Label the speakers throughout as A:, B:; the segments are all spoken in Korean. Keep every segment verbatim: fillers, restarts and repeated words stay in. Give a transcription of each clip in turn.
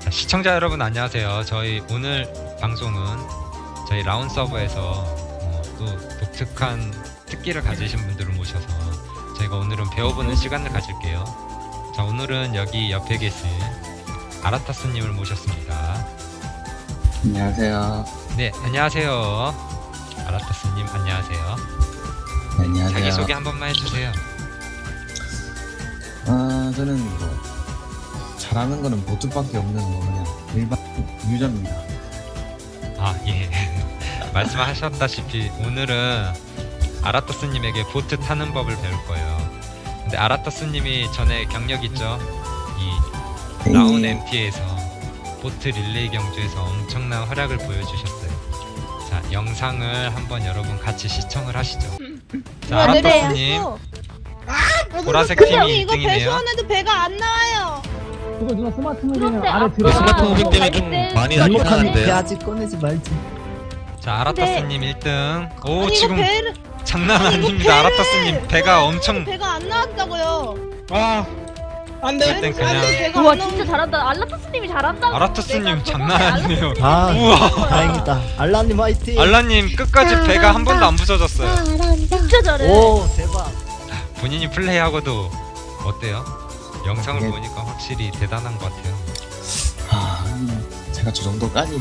A: 자, 시청자 여러분 안녕하세요. 저희 오늘 방송은 저희 라운 서버에서 어, 또 독특한 특기를 가지신 분들을 모셔서 저희가 오늘은 배워보는 시간을 가질게요. 자, 오늘은 여기 옆에 계신 아라타스님을 모셨습니다.
B: 안녕하세요.
A: 네, 안녕하세요. 아라타스님 안녕하세요.
B: 네, 안녕하세요.
A: 자기소개 한 번만 해주세요.
B: 아, 저는 뭐 잘하는 거는 보트밖에 없는 뭐 그냥 일반 유저입니다.
A: 아, 예. 말씀하셨다시피 오늘은 아라타스님에게 보트 타는 법을 배울 거예요. 근데 아라타스님이 전에 경력 있죠? 이 라운
B: 예.
A: 엠피에서 보트 릴레이 경주에서 엄청난 활약을 보여주셨어요. 자, 영상을 한번 여러분 같이 시청을 하시죠. 자, 아라타스님 보라색
C: 근데
A: 팀이
C: 이거
A: 일 등이네요.
C: 배수원에도 배가 안 나와요.
D: 그거 누나 스마트 무비는
E: 그런데
D: 아래
E: 앞에
D: 들어.
E: 스마트
F: 무비 때문에 좀 많이 날먹하는데.
G: 아직 꺼내지 말지.
A: 자, 아라타스님 일 등. 오,
C: 아니,
A: 지금
C: 이거 배를
A: 장난
C: 아니, 이거
A: 아닙니다.
C: 배를-
A: 아라타스님 배가 엄청
C: 배가 안 나왔다고요.
F: 아, 안 돼.
A: 일단 그냥
C: 배가
E: 우와
C: 안 나온-
E: 진짜 잘한다. 알라타스님이 잘한다.
A: 아라타스님 장난 아니네요.
G: 아,
A: 우와.
G: 다행이다. 알라님 화이팅.
A: 알라님 끝까지 배가 한 번도 안 부서졌어요.
E: 진짜 잘해.
G: 오, 대박.
A: 본인이 플레이하고도 어때요? 영상을
B: 네.
A: 보니까 확실히 대단한 것 같아요.
B: 아, 음, 제가 저 정도까지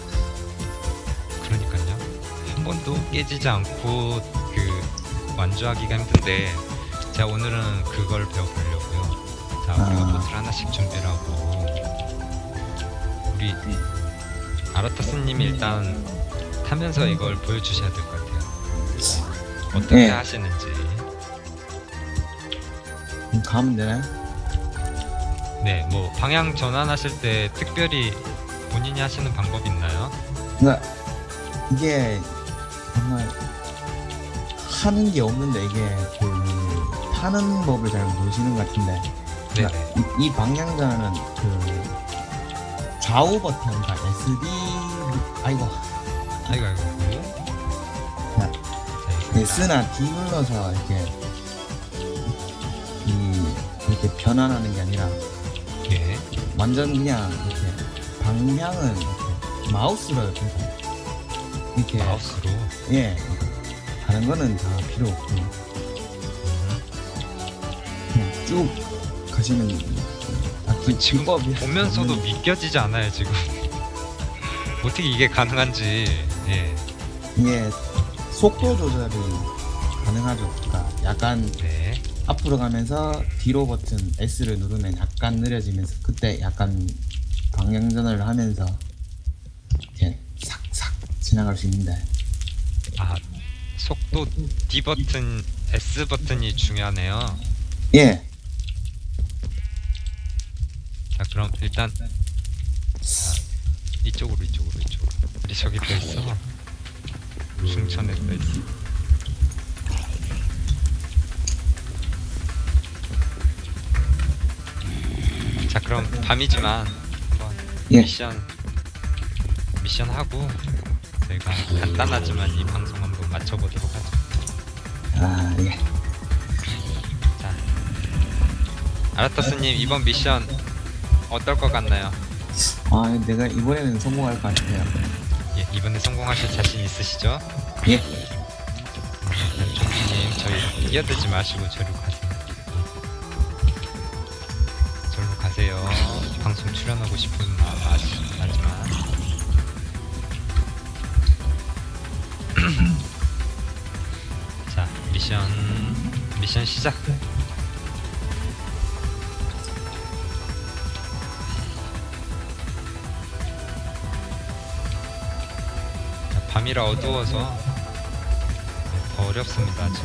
A: 그러니까요. 한 번도 깨지지 않고 그 완주하기가 힘든데 제가 오늘은 그걸 배워보려고요. 자, 우리가
B: 아.
A: 보트를 하나씩 준비를 하고 우리 아라타스님이 일단 타면서 이걸 보여주셔야 될 것 같아요. 어떻게
B: 네.
A: 하시는지.
B: 음, 가면 되나요?
A: 네, 뭐 방향 전환하실 때 특별히 본인이 하시는 방법이 있나요?
B: 그러니까 이게 정말 하는 게 없는데 이게 그 타는 법을 잘 모르시는 것 같은데 그러니까
A: 네네.
B: 이, 이 방향자는 그 좌우 버튼, 그러니까 에스디 아이고
A: 아이고 아이고.
B: 자,
A: 자,
B: S나 D 눌러서 이렇게 이 이렇게 변환하는 게 아니라
A: 예.
B: 완전 그냥 이렇게 방향은 이렇게 마우스로 이렇게 이렇게
A: 마우스로.
B: 예 다른 거는 다 필요 없고
A: 음.
B: 그냥 쭉 가시면 딱히
A: 지금
B: 비법이
A: 보면서도
B: 없는-
A: 믿겨지지 않아요 지금. 어떻게 이게 가능한지. 예.
B: 이게 속도 조절이 가능하죠. 그러니까 약간
A: 네.
B: 앞으로 가면서 뒤로 버튼 S를 누르면 약간 느려지면서 그때 약간 방향 전환을 하면서 이렇게 싹싹 지나갈 수 있는데
A: 아, 속도 D 버튼, S 버튼이 중요하네요.
B: 예
A: 자, 그럼 일단 자, 이쪽으로 이쪽으로 이쪽으로. 우리 저기 또 있어. 중천에 또 있어. 자, 그럼 밤이지만 한번
B: 예.
A: 미션 미션 하고 저희가 간단하지만 이 방송 한번 마쳐보도록 하죠.
B: 아, 예.
A: 자, 아라타스님 이번 미션 어떨 것 같나요?
B: 아, 내가 이번에는 성공할 것 같아요.
A: 예, 이번에 성공하실 자신 있으시죠?
B: 예.
A: 종기님 저희 끼어들지 마시고 저리로 가세요. 저리로 가세요. 방송 출연하고 싶은 마음 아시- 알지만 자, 미션 미션 시작. 자, 밤이라 어두워서 더 어렵습니다 지금.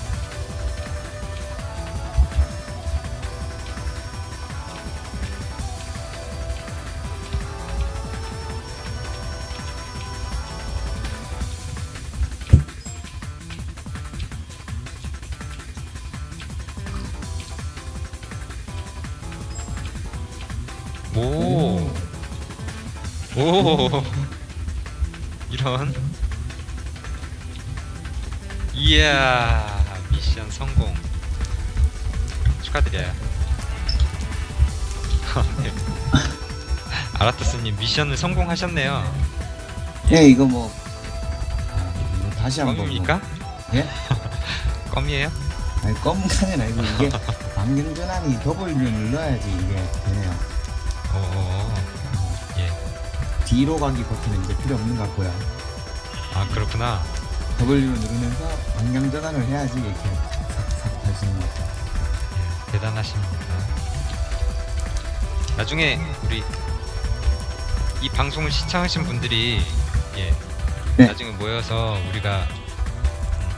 A: 오. 오. 이런. 이야, 미션 성공. 축하드려요. 네. 아라타스님 미션을 성공하셨네요.
B: 예, 이거 뭐, 아, 이거 다시 한번.
A: 껌입니까?
B: 뭐, 예?
A: 껌이에요?
B: 아니, 껌까지는 아니고, 이게 방경 전환이 W를 눌러야지 이게 되네요.
A: 오, 예.
B: 뒤로 가기 버튼은 이제 필요 없는 것 같고요.
A: 아 그렇구나.
B: W를 누르면서 방향 전환을 해야지 이렇게 싹싹 할 수 있는 것 같아요.
A: 예, 대단하십니다. 나중에 우리 이 방송을 시청하신 분들이 예
B: 네.
A: 나중에 모여서 우리가 음,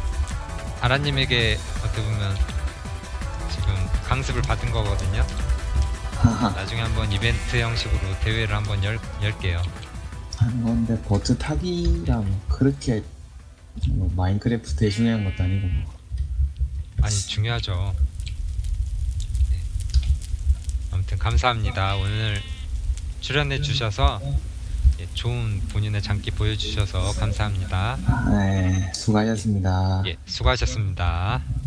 A: 아라님에게 어떻게 보면 지금 강습을 받은 거거든요.
B: 하하.
A: 나중에 한번 이벤트 형식으로 대회를 한번 열, 열게요.
B: 하는 건데, 보트 타기랑 뭐 그렇게 뭐 마인크래프트에 중요한 것도 아니고, 뭐.
A: 아니 중요하죠. 네. 아무튼 감사합니다. 오늘 출연해 주셔서 예, 좋은 본인의 장기 보여주셔서 감사합니다.
B: 네, 수고하셨습니다.
A: 예, 수고하셨습니다.